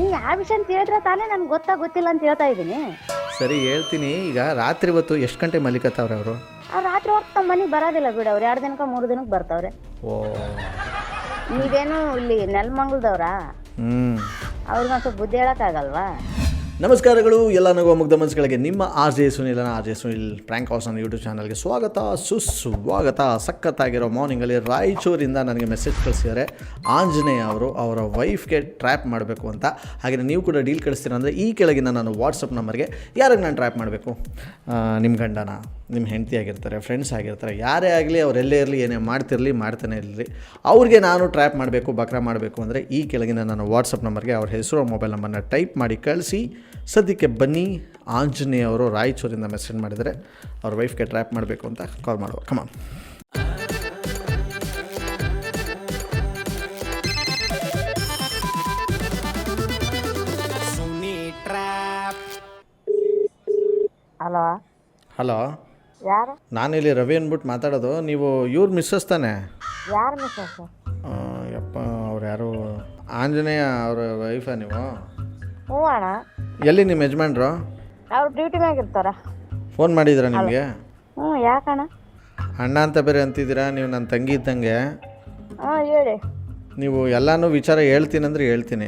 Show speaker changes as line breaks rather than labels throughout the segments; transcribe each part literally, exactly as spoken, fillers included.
ನೀವು ಯಾವ ವಿಷಯ ಅಂತ ಹೇಳಿದ್ರೆ ತಾನೇ ನನ್ಗೆ ಗೊತ್ತಾ ಗೊತ್ತಿಲ್ಲ ಅಂತ ಹೇಳ್ತಾ ಇದ್ದೀನಿ.
ಸರಿ ಹೇಳ್ತೀನಿ. ಈಗ ರಾತ್ರಿ ಹೊತ್ತು ಎಷ್ಟು ಗಂಟೆ ಮಲಿಕತ್ತವ್ರೆ ಅವರು?
ಅವ್ರು ರಾತ್ರಿ ಹೊತ್ತು ನಮ್ಮ ಮನೆಗೆ ಬರೋದಿಲ್ಲ ಬಿಡು, ಅವ್ರು ಎರಡು ದಿನಕ್ಕೆ ಮೂರು ದಿನಕ್ಕೆ ಬರ್ತಾವ್ರೆ.
ಓ,
ನೀವೇನು ಇಲ್ಲಿ ನೆಲಮಂಗಲದವ್ರಾ?
ಹ್ಞೂ.
ಅವ್ರಿಗೆ ಒಂದು ಸ್ವಲ್ಪ ಬುದ್ಧಿ ಹೇಳೋಕ್ಕಾಗಲ್ವಾ?
ನಮಸ್ಕಾರಗಳು ಎಲ್ಲ ನಗುವ ಮುಗ್ಧ ಮನಸ್ಸುಗಳಿಗೆ. ನಿಮ್ಮ ಆರ್ ಜೆ ಸುನಿಲನ R J Sunil prank house ಅನ್ನೋ ಯೂಟ್ಯೂಬ್ ಚಾನಲ್ಗೆ ಸ್ವಾಗತ ಸುಸ್ವಾಗತ. ಸಖತ್ತಾಗಿರೋ ಮಾರ್ನಿಂಗಲ್ಲಿ ರಾಯಚೂರಿಂದ ನನಗೆ ಮೆಸೇಜ್ ಕಳಿಸಿದ್ದಾರೆ ಆಂಜನೇಯ ಅವರು, ಅವರ ವೈಫ್ಗೆ ಟ್ರ್ಯಾಪ್ ಮಾಡಬೇಕು ಅಂತ. ಹಾಗೆ ನೀವು ಕೂಡ ಡೀಲ್ ಕಳಿಸ್ತೀರ ಅಂದರೆ ಈ ಕೆಳಗಿನ ನಾನು ವಾಟ್ಸಪ್ ನಂಬರ್ಗೆ ಯಾರಿಗೆ ನಾನು ಟ್ರ್ಯಾಪ್ ಮಾಡಬೇಕು, ನಿಮ್ಮ ಗಂಡನ, ನಿಮ್ಮ ಹೆಂಡತಿ ಆಗಿರ್ತಾರೆ, ಫ್ರೆಂಡ್ಸ್ ಆಗಿರ್ತಾರೆ, ಯಾರೇ ಆಗಲಿ ಅವರೆಲ್ಲೇ ಇರಲಿ, ಏನೇ ಮಾಡ್ತಿರಲಿ ಮಾಡ್ತಾನೆ ಇರಲಿ, ಅವ್ರಿಗೆ ನಾನು ಟ್ರ್ಯಾಪ್ ಮಾಡಬೇಕು, ಬಕ್ರ ಮಾಡಬೇಕು ಅಂದರೆ ಈ ಕೆಳಗಿನ ನಾನು ವಾಟ್ಸಪ್ ನಂಬರ್ಗೆ ಅವ್ರ ಹೆಸರು ಮೊಬೈಲ್ ನಂಬರ್ನ ಟೈಪ್ ಮಾಡಿ ಕಳಿಸಿ. ಸದ್ಯಕ್ಕೆ ಬನ್ನಿ, ಆಂಜನೇಯ ಅವರು ರಾಯಚೂರಿಂದ ಮೆಸೇಜ್ ಮಾಡಿದರೆ ಅವ್ರ ವೈಫ್ಗೆ ಟ್ರ್ಯಾಪ್ ಮಾಡಬೇಕು ಅಂತ ಕಾಲ್ ಮಾಡುವ. ಕಮಾನ್.
ಹಲೋ
ಹಲೋ,
ಯಾರು?
ನಾನಿಲ್ಲಿ ರವಿ ಅಂದ್ಬಿಟ್ಟು ಮಾತಾಡೋದು. ನೀವು ಇವ್ರ ಮಿಸ್ಸಸ್ ತಾನೆ?
ಯಾರು ಮಿಸ್ಸಸ್?
ಯಪ್ಪ, ಅವ್ರು ಯಾರು, ಆಂಜನೇಯ ಅವರ ವೈಫಾ ನೀವು?
ಹ್ಞೂ ಅಣ್ಣ.
ಎಲ್ಲಿ ನಿಮ್ಮ ಯಜಮಾನ್ರು?
ಅವ್ರು ಡ್ಯೂಟಿ ಮ್ಯಾಗ ಇರ್ತಾರ.
ಫೋನ್ ಮಾಡಿದ್ದೀರಾ ನಿಮಗೆ?
ಹ್ಞೂ. ಯಾಕಣ್ಣ?
ಅಣ್ಣ ಅಂತ ಬೇರೆ ಅಂತಿದ್ದೀರಾ, ನೀವು ನನ್ನ ತಂಗಿ ಇದ್ದಂಗೆ.
ಹಾಂ ಹೇಳಿ.
ನೀವು ಎಲ್ಲನೂ ವಿಚಾರ ಹೇಳ್ತೀನಂದ್ರೆ ಹೇಳ್ತೀನಿ.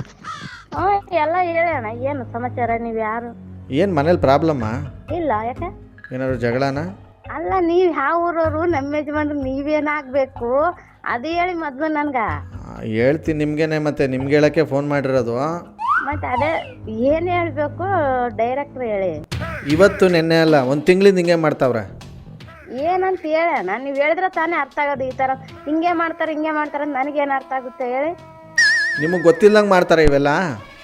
ಹಾಂ ಎಲ್ಲ ಹೇಳಿ ಅಣ್ಣ, ಏನು ಸಮಾಚಾರ? ನೀವು ಯಾರು?
ಏನು ಮನೇಲಿ ಪ್ರಾಬ್ಲಮ್ಮಾ?
ಇಲ್ಲ, ಯಾಕೆ?
ಏನಾದ್ರು ಜಗಳನಾ?
ಅಲ್ಲ, ನೀವು ಯಾವ ಊರವರು? ನಮ್ಮ ಯಜಮಾನ್ರು ನೀವೇನಾಗಬೇಕು ಅದು ಹೇಳಿ ಮೊದಲು ನನ್ಗೆ.
ಹೇಳ್ತೀನಿ ನಿಮಗೇನೆ, ಮತ್ತೆ ನಿಮ್ಗೆ ಹೇಳೋಕ್ಕೆ ಫೋನ್ ಮಾಡಿರೋದು.
ಮತ್ತೆ ಅದೇ ಏನು ಹೇಳಬೇಕು ಡೈರೆಕ್ಟ್ರ್ ಹೇಳಿ.
ಇವತ್ತು ನೆನ್ನೆ ಅಲ್ಲ, ಒಂದು ತಿಂಗಳಿಂದ ಹಿಂಗೆ ಮಾಡ್ತಾವ್ರೆ.
ಏನಂತ ಹೇಳೋಣ? ನೀವು ಹೇಳಿದ್ರೆ ತಾನೇ ಅರ್ಥ ಆಗೋದು. ಈ ಥರ ಹಿಂಗೆ ಮಾಡ್ತಾರೆ ಹಿಂಗೆ ಮಾಡ್ತಾರೆ ಅಂತ ನನಗೇನು ಅರ್ಥ ಆಗುತ್ತೆ ಹೇಳಿ? ನಿಮಗೆ
ಗೊತ್ತಿಲ್ಲದಂಗೆ ಮಾಡ್ತಾರೆ ಇವೆಲ್ಲ.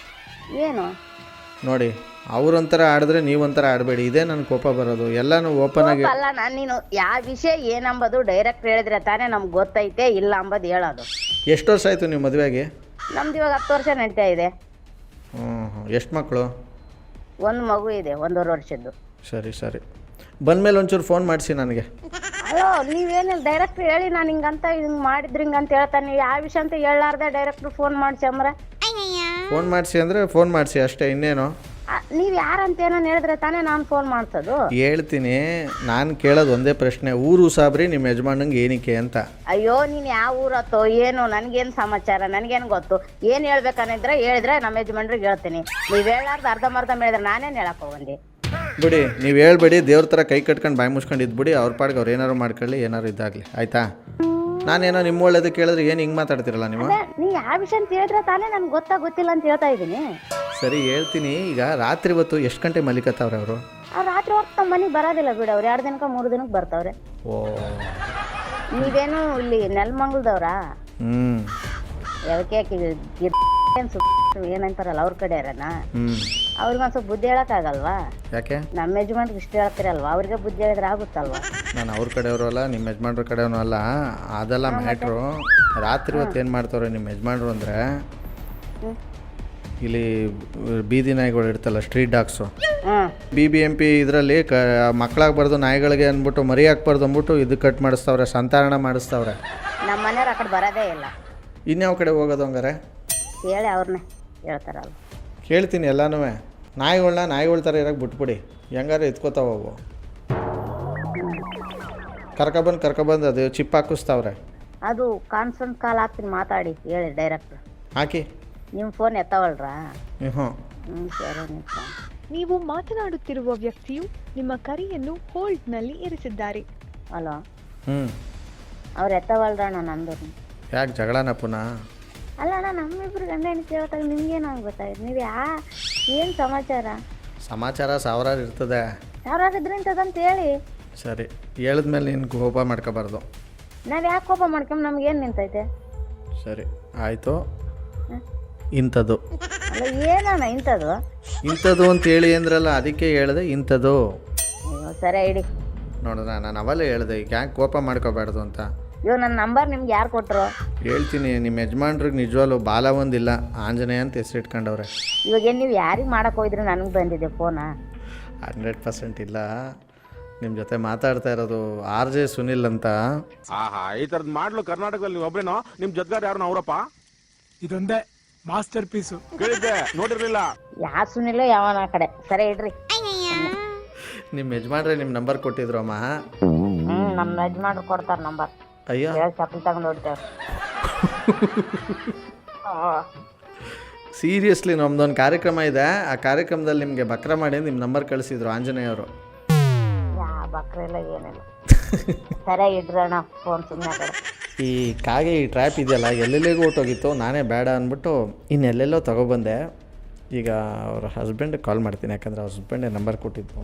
ಏನು
ನೋಡಿ, ಅವ್ರೊಂಥರ ಆಡಿದ್ರೆ ನೀವೊಂಥರ ಆಡಬೇಡಿ. ಇದೇ ನನ್ನ ಕೋಪ ಬರೋದು. ಎಲ್ಲನೂ ಓಪನ್ ಆಗಿ
ಅಲ್ಲ. ನಾನು ನೀನು ಯಾವ ವಿಷಯ ಏನಂಬೋದು ಡೈರೆಕ್ಟ್ ಹೇಳಿದ್ರೆ ತಾನೇ ನಮ್ಗೆ ಗೊತ್ತೈತೆ, ಇಲ್ಲ ಅಂಬೋದು ಹೇಳೋದು.
ಎಷ್ಟು ವರ್ಷ ಆಯಿತು ನೀವು ಮದುವೆಗೆ?
ನಮ್ದು ಇವಾಗ ಹತ್ತು ವರ್ಷ ನಡೀತಾ ಇದೆ.
ಹ್ಞೂ ಹ್ಞೂ. ಎಷ್ಟು ಮಕ್ಕಳು?
ಒಂದು ಮಗು ಇದೆ, ಒಂದೂವರೆ ವರ್ಷದ್ದು.
ಸರಿ ಸರಿ, ಬಂದಮೇಲೆ ಒಂಚೂರು ಫೋನ್ ಮಾಡಿಸಿ ನನಗೆ.
ಅಲೋ, ನೀವೇನಿಲ್ಲ ಡೈರೆಕ್ಟ್ರ್ ಹೇಳಿ ನಾನು ಹಿಂಗಂತ ಹಿಂಗೆ ಮಾಡಿದ್ರಿ ಹಿಂಗಂತ ಹೇಳ್ತಾನೆ. ನೀವು ಯಾವ ವಿಷಯ ಅಂತ ಹೇಳಾರ್ದೆ ಡೈರೆಕ್ಟ್ರು ಫೋನ್ ಮಾಡಿಸಿ ಅಂಬ್ರೆ.
ಫೋನ್ ಮಾಡಿಸಿ ಅಂದರೆ ಫೋನ್ ಮಾಡಿಸಿ ಅಷ್ಟೇ, ಇನ್ನೇನು?
ನೀವು ಯಾರಂತ ಏನೋ ಹೇಳಿದ್ರೆ ತಾನೇ ನಾನು ಫೋನ್ ಮಾಡ್ಸೋದು. ಹೇಳ್ತೀನಿ.
ನಾನು ಕೇಳೋದು ಒಂದೇ ಪ್ರಶ್ನೆ, ಊರು ಸಾಬ್ರಿ ನಿಮ್ಮ ಯಜಮಾನಂಗೆ ಏನಕ್ಕೆ ಅಂತ.
ಅಯ್ಯೋ, ನೀನು ಯಾವ ಊರತ್ತೋ ಏನು ನನಗೇನು ಸಮಾಚಾರ, ನನಗೇನು ಗೊತ್ತು? ಏನು ಹೇಳ್ಬೇಕನ್ನಿದ್ರೆ ಹೇಳಿದ್ರೆ ನಮ್ಮ ಯಜಮಾನ್ರಿಗೆ ಹೇಳ್ತೀನಿ. ನೀವು ಹೇಳಾರ್ದು ಅರ್ಧಂಬರ್ಧ ಹೇಳಿದ್ರೆ ನಾನೇನು ಹೇಳಕ್ಕೆ ಹೋಗಂಡಿ.
ಬಿಡಿ, ನೀವು ಹೇಳ್ಬೇಡಿ. ದೇವ್ರ ಥರ ಕೈ ಕಟ್ಕೊಂಡು ಬಾಯಿ ಮುಚ್ಕೊಂಡು ಇದ್ಬಿಡಿ. ಅವ್ರ ಪಾಡಿಗೆ ಅವ್ರು ಏನಾರು ಮಾಡ್ಕೊಳ್ಳಿ, ಏನಾರು ಇದಾಗಲಿ, ಆಯಿತಾ? ನಾನೇನೋ ನಿಮ್ಮ ಒಳ್ಳೇದು ಕೇಳಿದ್ರೆ ಏನು ಹಿಂಗೆ ಮಾತಾಡ್ತಿರಲ್ಲ ನೀವು?
ನೀವು ಯಾವ ವಿಷಯ ಅಂತ ಹೇಳಿದ್ರೆ ತಾನೇ ನನ್ಗೆ ಗೊತ್ತಾ ಗೊತ್ತಿಲ್ಲ ಅಂತ ಹೇಳ್ತಾ ಇದ್ದೀನಿ.
ಸರಿ ಹೇಳ್ತೀನಿ. ಈಗ ರಾತ್ರಿ ಹೊತ್ತು ಎಷ್ಟು ಗಂಟೆ ಮಲಿಕತ್ತವ್ರೆ ಅವರು?
ಅವ್ರು ರಾತ್ರಿ ಹೊತ್ತು ನಮ್ಮ ಮನೆಗೆ ಬರೋದಿಲ್ಲ ಬಿಡು, ಅವ್ರು ಎರಡು ದಿನಕ್ಕೆ ಮೂರು ದಿನಕ್ಕೆ ಬರ್ತಾವ್ರೆ.
ಓ,
ನೀವೇನು ಇಲ್ಲಿ ನೆಲಮಂಗಲದವ್ರಾ?
ಹ್ಞೂ.
ಯಾಕೆ ಏನಂತಾರಲ್ಲ ಅವ್ರ ಕಡೆ ಇರೋಣ.
ಹ್ಞೂ.
ಅವ್ರಿಗೆ ಒಂದು ಸ್ವಲ್ಪ ಬುದ್ಧಿ ಹೇಳೋಕ್ಕಾಗಲ್ವಾ?
ಯಾಕೆ?
ನಮ್ಮ ಯಜಮಾನ್ರಿಗೆ ಇಷ್ಟ ಹೇಳ್ತಿರಲ್ವಾ, ಅವ್ರಿಗೆ ಬುದ್ಧಿ ಹೇಳಿದ್ರೆ ಆಗುತ್ತಲ್ವಾ?
ನಾನು ಅವ್ರ ಕಡೆಯವರು ಅಲ್ಲ, ನಿಮ್ಮ ಯಜಮಾನ್ರ ಕಡೆಯವನು ಅಲ್ಲ, ಅದೆಲ್ಲ ಮ್ಯಾಟ್ರು. ರಾತ್ರಿ ಹೊತ್ತು ಏನು ಮಾಡ್ತಾವ್ರೆ ನಿಮ್ಮ ಯಜಮಾನ್ರು ಅಂದರೆ, ಇಲ್ಲಿ ಬೀದಿ ನಾಯಿಗಳು ಇರ್ತಲ್ಲ, street dogs, B B M P ಇದರಲ್ಲಿ ಕ ಮಕ್ಕಳಾಗಬಾರ್ದು ನಾಯಿಗಳಿಗೆ ಅಂದ್ಬಿಟ್ಟು ಮರಿ ಹಾಕ್ಬಾರ್ದು ಅಂದ್ಬಿಟ್ಟು ಇದು ಕಟ್ ಮಾಡಿಸ್ತವ್ರೆ, ಸಂತಾರಣ ಮಾಡಿಸ್ತವ್ರೆ.
ನಮ್ಮ ಮನೆಯವ್ರು ಆ ಕಡೆ ಬರೋದೇ ಇಲ್ಲ.
ಇನ್ಯಾವ ಕಡೆ ಹೋಗೋದು ಹಂಗಾರೆ?
ಹೇಳಿ ಅವ್ರನ್ನೇ ಹೇಳ್ತಾರಲ್ಲ.
ಕೇಳ್ತೀನಿ ಎಲ್ಲನೂ. ನಾಯಿಗಳನ್ನ ನಾಯಿಗಳ ಥರ ಇರೋಕ್ಕೆ ಬಿಟ್ಬಿಡಿ, ಹೆಂಗಾರು ಎತ್ಕೋತಾವ ಅವು. ಕರ್ಕೊಬಂದು ಕರ್ಕೊಬಂದು ಅದು ಚಿಪ್ ಹಾಕಿಸ್ತಾವ್ರೆ.
ಅದು ಕಾನ್ಫರೆನ್ಸ್ ಕಾಲ್ ಹಾಕ್ತೀನಿ, ಮಾತಾಡಿ ಹೇಳಿ ಡೈರೆಕ್ಟ್.
ಹಾಕಿ.
ನಿಮ್ಮ ಫೋನ್ ಎತ್ತವಲ್ರಾ?
ಹ್ಞೂ
ಹ್ಞೂ ಸರಿ.
ನೀವು ಮಾತನಾಡುತ್ತಿರುವ ವ್ಯಕ್ತಿಯು ನಿಮ್ಮ ಕರೆಯನ್ನು ಹೋಲ್ಡ್ನಲ್ಲಿ ಇರಿಸಿದ್ದಾರೆ.
ಹಲೋ.
ಹ್ಞೂ.
ಅವ್ರು ಎತ್ತವಲ್ರಣ್ಣ ನಂದು.
ಯಾಕೆ ಜಗಳನ ಪುನಃ?
ಅಲ್ಲ ಅಣ್ಣ, ನಮ್ಮಿಬ್ರು ಗಂಡ ಹೆಂಡತಿ ಹೇಳ್ತಾಗ ನಿಮ್ಗೇನಾಗ ಗೊತ್ತಾಯ್ತು? ನೀವು ಯಾ ಏನು ಸಮಾಚಾರ?
ಸಮಾಚಾರ ಸಾವಿರಾರು ಇರ್ತದೆ.
ಯಾರಾಗಿದ್ರೆ ಇಂಥದ್ದಂತ ಹೇಳಿ.
ಸರಿ, ಹೇಳಿದ್ಮೇಲೆ ನೀನು ಕೋಪ ಮಾಡ್ಕೋಬಾರ್ದು.
ನಾವು ಯಾಕೆ ಕೋಪ ಮಾಡ್ಕೊಂಡ್ ನಮ್ಗೇನು ನಿಂತೈತೆ?
ಸರಿ ಆಯಿತು. ಇಂಥದ್ದು
ಅಲ್ಲ, ಏನಣ್ಣ ಇಂಥದ್ದು
ಇಂಥದ್ದು ಅಂತ ಹೇಳಿ ಅಂದ್ರಲ್ಲ, ಅದಕ್ಕೆ ಹೇಳಿದೆ ಇಂಥದ್ದು.
ಸರಿ ಇಡಿ.
ನೋಡಿದ್ರ, ನಾನು ಅವೆಲ್ಲ ಹೇಳಿದೆ, ಈಗ ಯಾಕೆ ಕೋಪ ಮಾಡ್ಕೋಬಾರ್ದು ಅಂತ.
ಇವಾಗ ನನ್ನ ನಂಬರ್ ನಿಮ್ಗೆ ಯಾರು ಕೊಟ್ಟರು?
ಹೇಳ್ತೀನಿ. ನಿಮ್ಮ ಯಜಮಾನ್ರಿಗೆ ನಿಜವಾಗ್ಲೂ ಬಾಲ ಒಂದಿಲ್ಲ, ಆಂಜನೇಯ ಅಂತ ಹೆಸರು ಇಟ್ಕೊಂಡವ್ರೆ.
ಇವಾಗ ಏನು ನೀವು ಯಾರಿಗೆ ಮಾಡಕ್ಕೆ ಹೋಗಿದ್ರೆ ನನಗೆ ಬಂದಿದೆ ಫೋನಾ?
ಹಂಡ್ರೆಡ್ ಪರ್ಸೆಂಟ್ ಇಲ್ಲ. ನಿಮ್ಮ ಜೊತೆ ಮಾತಾಡ್ತಾ ಇರೋದು ಆರ್ ಜೆ ಸುನಿಲ್ ಅಂತ.
ಆಹಾ, ಈ ಥರದ್ದು ಮಾಡ್ಲು ಕರ್ನಾಟಕದಲ್ಲಿ ನೀವು ಒಬ್ಬರೇನೋ? ನಿಮ್ಮ ಜೊತೆಗಾರ ಯಾರು ಅವರಪ್ಪ?
ಇದೊಂದೇ
ಮಾಸ್ಟರ್ ಪೀಸು ಕೇಳಿದ್ದೆ ನೋಡಿರ್ಲಿಲ್ಲ.
ಯಾ ಸುನಿಲ್ಲ ಯಾವನ ಆ ಕಡೆ ಸರಿ ಇಡ್ರಿ.
ನಿಮ್ಮ ಯಜಮಾನ್ರೆ ನಿಮ್ಮ ನಂಬರ್ ಕೊಟ್ಟಿದ್ರು ಅಮ್ಮ.
ಹ್ಮ್ ನಮ್ಮ ಯಜಮಾನ್ರು ಕೊಡ್ತಾರ ನಂಬರ್.
ಅಯ್ಯ
ಹೇಳಿ ಚಪ್ಪಲಿ ತಗೊಂಡು ಹೊಡ್ತೇವೆ.
ಸೀರಿಯಸ್ಲಿ ನಮ್ದೊಂದು ಕಾರ್ಯಕ್ರಮ ಇದೆ, ಆ ಕಾರ್ಯಕ್ರಮದಲ್ಲಿ ನಿಮಗೆ ಬಕ್ರ ಮಾಡಿ ನಿಮ್ಮ ನಂಬರ್ ಕಳಿಸಿದ್ರು ಆಂಜನೇಯವರು.
ಯಾ ಬಕ್ರ ಇಲ್ಲ ಏನಿಲ್ಲ. ಸರಿ ಇಡ್ರಣ್ಣ ಫೋನ್ ಸುಮ್ಮನೆ.
ಈ ಕಾಗೆ ಈ ಟ್ರ್ಯಾಪ್ ಇದೆಯಲ್ಲ ಎಲ್ಲೆಲ್ಲಿಗೂ ಹೊಟ್ಟೋಗಿತ್ತು, ನಾನೇ ಬೇಡ ಅಂದ್ಬಿಟ್ಟು ಇನ್ನೆಲ್ಲೆಲ್ಲೋ ತೊಗೊಬಂದೆ. ಈಗ ಅವ್ರ ಹಸ್ಬೆಂಡ್ ಕಾಲ್ ಮಾಡ್ತೀನಿ, ಯಾಕಂದರೆ ಅವ್ರ ಹಸ್ಬೆಂಡೇ ನಂಬರ್ ಕೊಟ್ಟಿದ್ದು.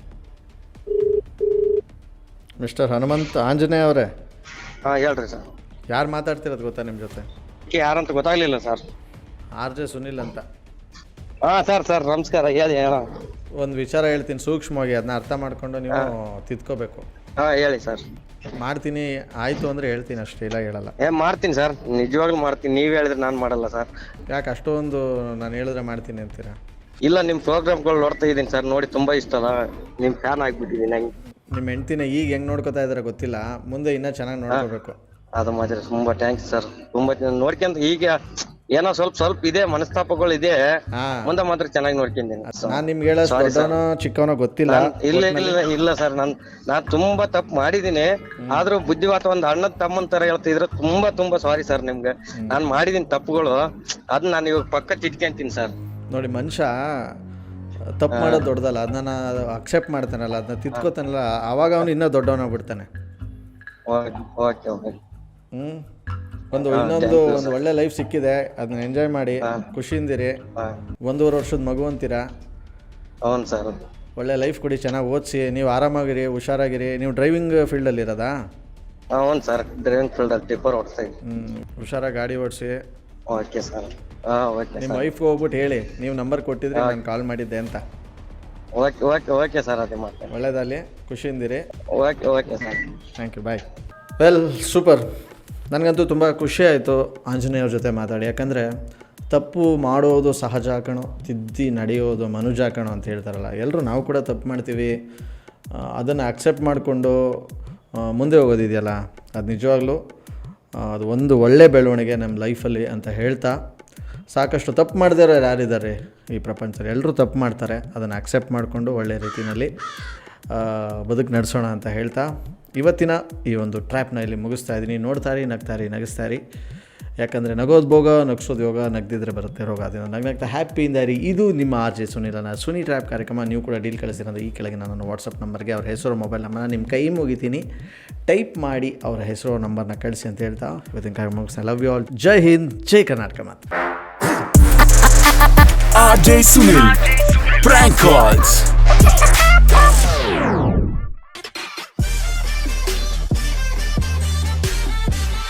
ಮಿಸ್ಟರ್ ಹನುಮಂತ್ ಆಂಜನೇಯ ಅವರೇ.
ಹಾಂ ಹೇಳ್ರಿ ಸರ್.
ಯಾರು ಮಾತಾಡ್ತಿರೋದು ಗೊತ್ತಾ ನಿಮ್ಮ ಜೊತೆ?
ಯಾರಂತ ಗೊತ್ತಾಗ್ಲಿಲ್ಲ ಸರ್.
ಆರ್ ಜೆ ಸುನಿಲ್ ಅಂತ.
ಹಾಂ ಸರ್ ಸರ್ ನಮಸ್ಕಾರ. ಹೇಳಿ ಹೇಳ.
ಒಂದು ವಿಚಾರ ಹೇಳ್ತೀನಿ ಸೂಕ್ಷ್ಮವಾಗಿ, ಅದನ್ನ ಅರ್ಥ ಮಾಡಿಕೊಂಡು ನೀವು ತಿದ್ಕೋಬೇಕು.
ಹಾಂ ಹೇಳಿ ಸರ್.
ಮಾಡ್ತೀನಿ ಆಯಿತು ಅಂದರೆ ಹೇಳ್ತೀನಿ ಅಷ್ಟೇ, ಇಲ್ಲ ಹೇಳಲ್ಲ.
ಏ ಮಾಡ್ತೀನಿ ಸರ್, ನಿಜವಾಗ್ಲೂ ಮಾಡ್ತೀನಿ. ನೀವು ಹೇಳಿದ್ರೆ ನಾನು ಮಾಡಲ್ಲ ಸರ್.
ಯಾಕೆ ಅಷ್ಟೊಂದು ನಾನು ಹೇಳಿದ್ರೆ ಮಾಡ್ತೀನಿ ಅಂತೀರಾ?
ಇಲ್ಲ, ನಿಮ್ಮ ಪ್ರೋಗ್ರಾಮ್ಗಳು ನೋಡ್ತಾ ಇದ್ದೀನಿ ಸರ್, ನೋಡಿ ತುಂಬ ಇಷ್ಟ ಅಲ್ಲ, ನಿಮ್ಮ ಫ್ಯಾನ್ ಆಗಿಬಿಟ್ಟಿದ್ದೀನಿ ನಂಗೆ.
ನಿಮ್ಮ ಹೆಂಡ್ತಿನ ಈಗ ಹೆಂಗೆ ನೋಡ್ಕೋತಾ ಇದ್ದಾರೆ ಗೊತ್ತಿಲ್ಲ, ಮುಂದೆ ಇನ್ನೂ ಚೆನ್ನಾಗಿ ನೋಡ್ಕೋಬೇಕು.
ಅದು ಮಾತ್ರ ತುಂಬ ಥ್ಯಾಂಕ್ಸ್ ಸರ್. ತುಂಬ ನೋಡ್ಕೊಂತ ಈಗ ಏನೋ ಸ್ವಲ್ಪ ಸ್ವಲ್ಪ ಇದೆ ಮನಸ್ತಾಪಗಳು ಇದೆ, ಮುಂದೆ ಮಾತ್ರ ಚೆನ್ನಾಗಿ ನೋಡ್ಕೊಂತೀನಿ.
ನಾನು ನಿಮ್ಗೆ ಹೇಳೋ ದೊಡ್ಡವನೋ ಚಿಕ್ಕವನೋ ಗೊತ್ತಿಲ್ಲ.
ಇಲ್ಲ ಇಲ್ಲ ಇಲ್ಲ ಸರ್, ನಾನು ನಾನು ತುಂಬಾ ತಪ್ಪು ಮಾಡಿದೀನಿ. ಆದ್ರೂ ಬುದ್ಧಿವಾತ ಒಂದು ಅಣ್ಣದ ತಮ್ಮನ ತರ ಹೇಳ್ತಿದ್ರೆ ತುಂಬಾ ತುಂಬಾ ಸಾರಿ ಸರ್ ನಿಮ್ಗೆ. ನಾನು ಮಾಡಿದೀನಿ ತಪ್ಪುಗಳು, ಅದನ್ನ ನಾನು ಇವಾಗ ಪಕ್ಕ ತಿಟ್ಕೊಂತೀನಿ ಸರ್.
ನೋಡಿ, ಮನುಷ್ಯ ತಪ್ಪು ಮಾಡೋದು ದೊಡ್ಡದಲ್ಲ, ಅದನ್ನ ಅಕ್ಸೆಪ್ಟ್ ಮಾಡ್ತಾನಲ್ಲ, ಅದನ್ನ ತಿದ್ಕೋತಾನಲ್ಲ, ಆವಾಗ ಅವನು ಇನ್ನೂ ದೊಡ್ಡವನಾಗ್ಬಿಡ್ತಾನೆ.
Okay okay.
ಹ್ಞೂ ಒಂದು ಇನ್ನೊಂದು ಒಂದು ಒಳ್ಳೆ ಲೈಫ್ ಸಿಕ್ಕಿದೆ, ಅದನ್ನ ಎಂಜಾಯ್ ಮಾಡಿ ಖುಷಿಯಿಂದಿರಿ. ಒಂದೂವರೆ ವರ್ಷದ ಮಗು ಅಂತೀರಾ.
ಹೌದು ಸರ್.
ಒಳ್ಳೆ ಲೈಫ್ ಕೊಡಿ, ಚೆನ್ನಾಗಿ ಓದಿಸಿ, ನೀವು ಆರಾಮಾಗಿರಿ, ಹುಷಾರಾಗಿರಿ. ನೀವು ಡ್ರೈವಿಂಗ್ ಫೀಲ್ಡಲ್ಲಿ ಇರೋದಾ?
ಹೌದು ಸರ್, ಡ್ರೈವಿಂಗ್ ಫೀಲ್ಡಲ್ಲಿ ಟಿಪ್ಪರ್ ಓಡಿಸ್ತಾ ಇದ್ದೀನಿ.
ಹ್ಞೂ ಹುಷಾರಾಗಿ ಗಾಡಿ ಓಡಿಸಿ.
Okay sir. ಹಾಂ ಓಕೆ.
ನಿಮ್ಮ ವೈಫ್ಗೆ ಹೋಗ್ಬಿಟ್ಟು ಹೇಳಿ ನೀವು ನಂಬರ್ ಕೊಟ್ಟಿದ್ರೆ ನಾನು ಕಾಲ್ ಮಾಡಿದ್ದೆ ಅಂತ.
ಓಕೆ ಓಕೆ ಓಕೆ ಸರ್, ಅದೇ ಮಾಡ್ತೇನೆ.
ಒಳ್ಳೇದಾಗಲಿ, ಖುಷಿಯಿಂದಿರಿ.
Okay okay sir.
Thank you, bye. Well super. ನನಗಂತೂ ತುಂಬ ಖುಷಿ ಆಯಿತು ಆಂಜನೇಯವ್ರ ಜೊತೆ ಮಾತಾಡಿ. ಯಾಕಂದರೆ ತಪ್ಪು ಮಾಡೋದು ಸಹಜ ಕಣೋ, ತಿದ್ದಿ ನಡೆಯೋದು ಮನುಜ ಕಣೋ ಅಂತ ಹೇಳ್ತಾರಲ್ಲ, ಎಲ್ಲರೂ ನಾವು ಕೂಡ ತಪ್ಪು ಮಾಡ್ತೀವಿ. ಅದನ್ನು ಅಕ್ಸೆಪ್ಟ್ ಮಾಡಿಕೊಂಡು ಮುಂದೆ ಹೋಗೋದಿದೆಯಲ್ಲ, ಅದು ನಿಜವಾಗ್ಲೂ ಅದು ಒಂದು ಒಳ್ಳೆ ಬೆಳವಣಿಗೆ ನಮ್ಮ ಲೈಫಲ್ಲಿ ಅಂತ ಹೇಳ್ತಾ, ಸಾಕಷ್ಟು ತಪ್ಪು ಮಾಡಿದವರು ಯಾರಿದ್ದಾರೆ ಈ ಪ್ರಪಂಚದಲ್ಲಿ? ಎಲ್ಲರೂ ತಪ್ಪು ಮಾಡ್ತಾರೆ, ಅದನ್ನು ಅಕ್ಸೆಪ್ಟ್ ಮಾಡಿಕೊಂಡು ಒಳ್ಳೆ ರೀತಿಯಲ್ಲಿ ಬದುಕು ನಡೆಸೋಣ ಅಂತ ಹೇಳ್ತಾ ಇವತ್ತಿನ ಈ ಒಂದು ಟ್ರ್ಯಾಪ್ನ ಇಲ್ಲಿ ಮುಗಿಸ್ತಾ ಇದ್ದೀನಿ. ನೋಡ್ತಾರಿ, ನಗ್ತಾರಿ, ನಗಿಸ್ತಾರಿ. ಯಾಕಂದರೆ ನಗೋದು ಭೋಗ, ನಗಿಸೋದು ಯೋಗ, ನಗ್ದಿದ್ರೆ ಬರುತ್ತೆ ರೋಗ. ಅದನ್ನು ನಗ್ನಗ್ತಾ ಹ್ಯಾಪಿಯಿಂದ ಇರಿ. ಇದು ನಿಮ್ಮ ಆರ್ ಜೆ ಸುನಿಲನ ಸುನಿ ಟ್ರ್ಯಾಪ್ ಕಾರ್ಯಕ್ರಮ. ನೀವು ಕೂಡ ಡೀಲ್ ಕಳಿಸಿರೋದು ಈ ಕೆಳಗೆ ನನ್ನ ವಾಟ್ಸಪ್ ನಂಬರ್ಗೆ ಅವ್ರ ಹೆಸರು, ಮೊಬೈಲ್ ನಂಬರ್ನ ನಿಮ್ಮ ಕೈ ಮುಗಿತೀನಿ, ಟೈಪ್ ಮಾಡಿ ಅವರ ಹೆಸರು ನಂಬರ್ನ ಕಳಿಸಿ ಅಂತ ಹೇಳ್ತಾ ಇವತ್ತಿನ ಕಾರ್ಯಕ್ರಮ ಮುಗಿಸ್ತಾ. Love you all. Jai Hind, Jai Karnataka. ಮಾತು
R J Sunil, prank calls.